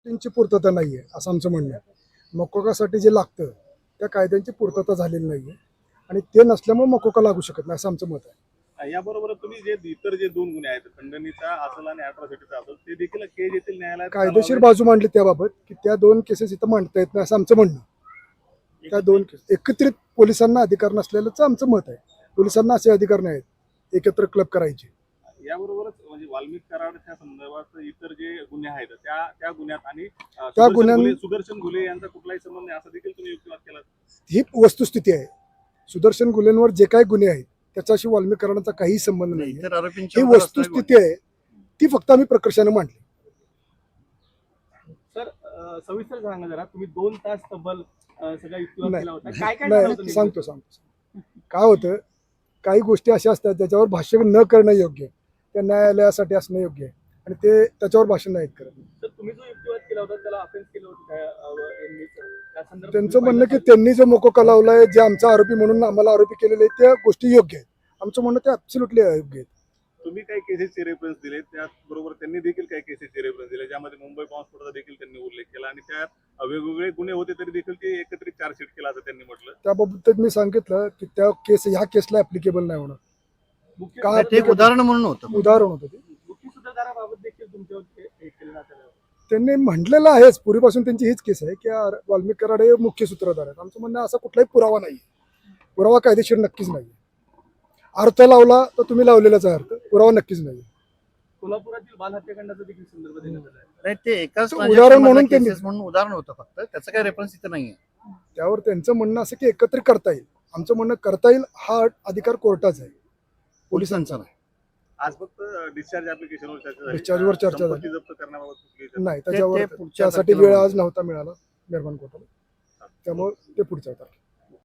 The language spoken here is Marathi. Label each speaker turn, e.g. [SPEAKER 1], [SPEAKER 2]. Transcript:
[SPEAKER 1] त्यांची पूर्तता नाही आहे असं आमचं म्हणणं आहे. मकोकासाठी जे लागतं त्या कायद्यांची पूर्तता झालेली नाही आहे आणि ते नसल्यामुळे मकोका लागू शकत नाही असं आमचं मत आहे.
[SPEAKER 2] याबरोबर तुम्ही जे इतर जे 2 गुन्हे आहेत, खंडणीचा असेल आणि अॅट्रॉसिटीचा असेल, ते देखील केज येथील न्यायालयात
[SPEAKER 1] कायदेशीर बाजू मांडली त्याबाबत की त्या 2 केसेस इथं मांडता येत नाही असं आमचं म्हणणं. त्या 2 केस एकत्रित पोलिसांना अधिकार नसलेलंच आमचं मत आहे. पोलिसांना असे अधिकार नाहीत एकत्र क्लब करायचे.
[SPEAKER 2] याबरोबरच म्हणजे वाल्मिक कराडच्या संदर्भात इतर जे गुन्हे आहेत त्या गुन्ह्यात आणि सुदर्शन घुले यांचा कुठलाही संबंध नाही असं देखील तुम्ही युक्तिवाद केला.
[SPEAKER 1] ही वस्तुस्थिती आहे. सुदर्शन गुलेंवर जे काही गुन्हे आहेत त्याच्याशी वाल्मिक कराडांचा काही संबंध नाही. ही वस्तुस्थिती आहे ती फक्त आम्ही प्रकर्षाने मांडली.
[SPEAKER 2] सर सविस्तर सांगा जरा, तुम्ही 2 तास तब्बल सगळा युक्तिवाद केला होता.
[SPEAKER 1] काय सांगतो काय होतं, काही गोष्टी अशा असतात ज्याच्यावर भाष्य न करणं योग्य आहे. त्या न्यायालयासाठी असणं योग्य आहे आणि ते त्याच्यावर भाषण नाहीत करत.
[SPEAKER 2] तर तुम्ही जो युक्तिवाद केला होता त्याला अफेन्स केलं होतं
[SPEAKER 1] त्यांचं म्हणणं की त्यांनी जो मकोका लावलाय जे आमचा आरोपी म्हणून आम्हाला आरोपी केलेले आहेत त्या गोष्टी योग्य आहेत. आमचं म्हणणं ते ॲब्सोल्युटली अयोग्य आहेत.
[SPEAKER 2] तुम्ही काही केसेसचे रेफरन्स दिले, त्याचबरोबर त्यांनी देखील काही केसेसचे रेफरन्स दिले ज्यामध्ये मुंबई बॉम्बस्फोटाचा देखील त्यांनी उल्लेख केला आणि त्यात वेगवेगळे गुन्हे होते तरी देखील ते एकत्रित चार्जशीट केला असं त्यांनी म्हटलं.
[SPEAKER 1] त्याबाबत मी सांगितलं की त्या केस ह्या केसला ऍप्लिकेबल नाही होणार.
[SPEAKER 3] उदाहरण म्हणून होतं
[SPEAKER 1] ते
[SPEAKER 2] मुख्य सूत्रधाराबाबत देखील तुमच्यावर केलं जातं.
[SPEAKER 1] त्यांनी म्हटलेलं आहेच पूर्वीपासून त्यांची हीच केस आहे की वाल्मिक कराड हे मुख्य सूत्रधार आहेत. आमचं म्हणणं असा कुठलाही पुरावा नाही. पुरावा कायदेशीर नक्कीच नाही. अर्थ लावला तर तुम्ही लावलेलाच आहे अर्थ, पुरावा नक्कीच नाही.
[SPEAKER 2] कोल्हापुरातील बाल हत्याकांडाचा देखील संदर्भ देण्यात आला
[SPEAKER 3] नाही, ते एकाच
[SPEAKER 1] उदाहरण म्हणून
[SPEAKER 3] म्हणून उदाहरण होतं फक्त, त्याचं काही रेफरन्स इथं नाहीये.
[SPEAKER 1] त्यावर त्यांचं म्हणणं असं की एकत्रित करता येईल. आमचं म्हणणं करता येईल हा अधिकार कोर्टाचा आहे, पोलिसांचा नाही.
[SPEAKER 2] आज फक्त डिस्चार्ज ऍप्लिकेशनवर चर्चा झाली.
[SPEAKER 1] डिस्चार्जवर चर्चा झाली
[SPEAKER 2] जप्त करण्याबाबत
[SPEAKER 1] नाही. त्याच्यावर त्यासाठी वेळ आज नव्हता मिळाला निर्माण कोर्टाला, त्यामुळे ते पुढच्या तारखेला.